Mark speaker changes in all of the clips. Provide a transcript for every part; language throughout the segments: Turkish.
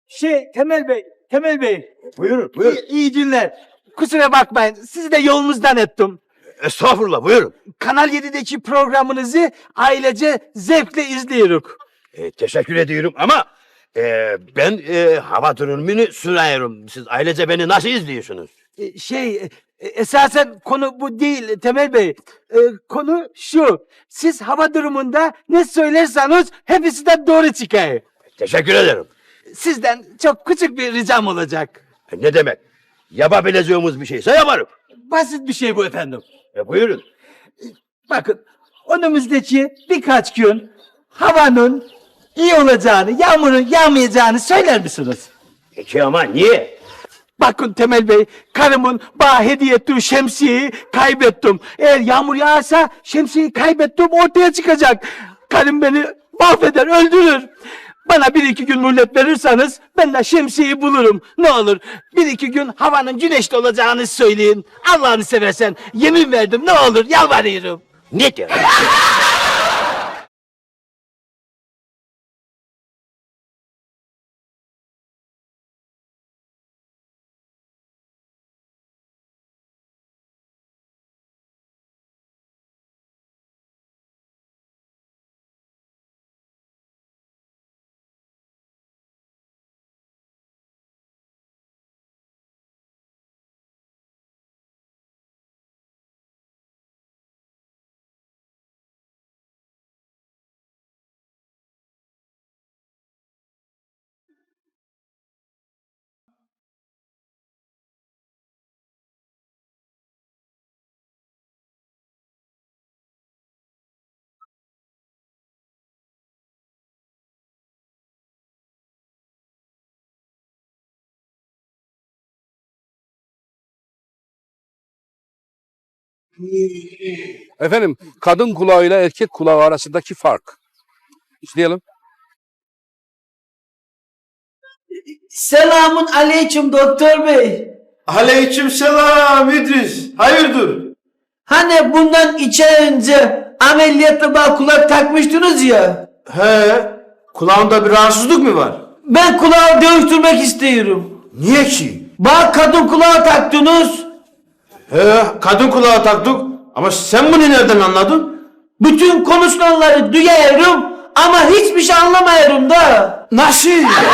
Speaker 1: Temel Bey.
Speaker 2: Buyurun, buyurun.
Speaker 1: İyi günler. Kusura bakmayın, sizi de yolunuzdan ettim.
Speaker 2: Estağfurullah, buyurun.
Speaker 1: Kanal 7'deki programınızı ailece zevkle izliyoruz.
Speaker 2: Teşekkür ediyorum ama ben hava durumunu sunuyorum. Siz ailece beni nasıl izliyorsunuz?
Speaker 1: Esasen konu bu değil Temel Bey. Konu şu, siz hava durumunda ne söylerseniz hepsi de doğru çıkıyor.
Speaker 2: Teşekkür ederim.
Speaker 1: Sizden çok küçük bir ricam olacak.
Speaker 2: Ne demek? Yapabileceğimiz bir şeyse yaparım.
Speaker 1: Basit bir şey bu efendim.
Speaker 2: Buyurun.
Speaker 1: Bakın, önümüzdeki birkaç gün havanın iyi olacağını, yağmurun yağmayacağını söyler misiniz?
Speaker 2: Peki ama niye?
Speaker 1: Bakın Temel Bey, karımın bana hediye ettiği şemsiyeyi kaybettim. Eğer yağmur yağarsa şemsiyeyi kaybettim ortaya çıkacak. Karım beni mahveder, öldürür. Bana bir iki gün mühlet verirseniz ben de şemsiyeyi bulurum. Ne olur bir iki gün havanın güneşli olacağını söyleyin. Allah'ını seversen yemin verdim, ne olur yalvarıyorum.
Speaker 2: Ne diyor?
Speaker 3: Efendim, kadın kulağıyla erkek kulağı arasındaki fark. İzleyelim.
Speaker 4: Selamun aleyküm doktor bey.
Speaker 5: Aleykümselam İdris. Hayırdır?
Speaker 4: Hani bundan 2 ay önce ameliyatta bana kulak takmıştınız ya.
Speaker 5: He. Kulağında bir rahatsızlık mı var?
Speaker 4: Ben kulağı değiştirmek istiyorum.
Speaker 5: Niye ki?
Speaker 4: Bana kadın kulağı taktınız.
Speaker 5: He. Kadın kulağı taktık. Ama sen bunu nereden anladın?
Speaker 4: Bütün konuşulanları duyuyorum ama hiçbir şey anlamıyorum da.
Speaker 5: Nasıl?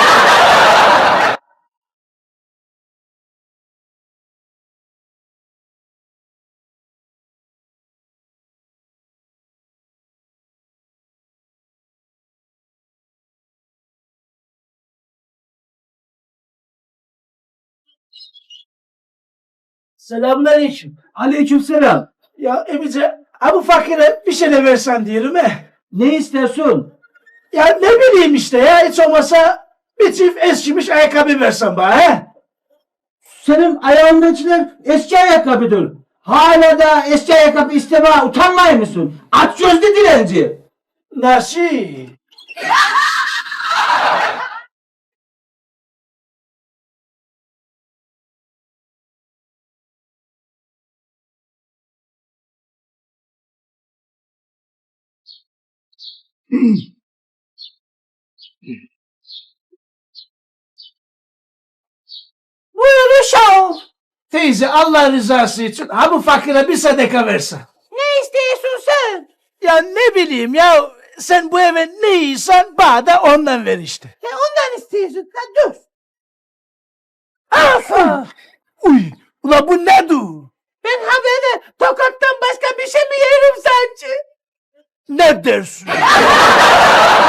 Speaker 6: Selamünaleyküm. Aleykümselam. Ya Emice, bu fakire bir şeyler versen diyorum he.
Speaker 4: Ne istiyorsun?
Speaker 6: Ya ne bileyim işte ya, hiç olmasa bir çift eskimiş ayakkabı versen bana he.
Speaker 4: Senin ayağındakiler eski ayakkabıdır. Hala da eski ayakkabı istemeye utanmıyor musun? Aç gözlü dilenci.
Speaker 6: Nasıl? Buyur uşağım. Teyze, Allah rızası için bu fakire bir sadaka versen.
Speaker 7: Ne istiyorsun sen?
Speaker 6: Ya ne bileyim ya, sen bu eve ne yiysen bana da ondan ver işte.
Speaker 7: Ya ondan istiyorsun. Ha dur.
Speaker 6: Afa! Uy! Ula bu ne du?
Speaker 7: Ben haberi tokattan başka bir şey mi yerim sence?
Speaker 6: Ne dersin?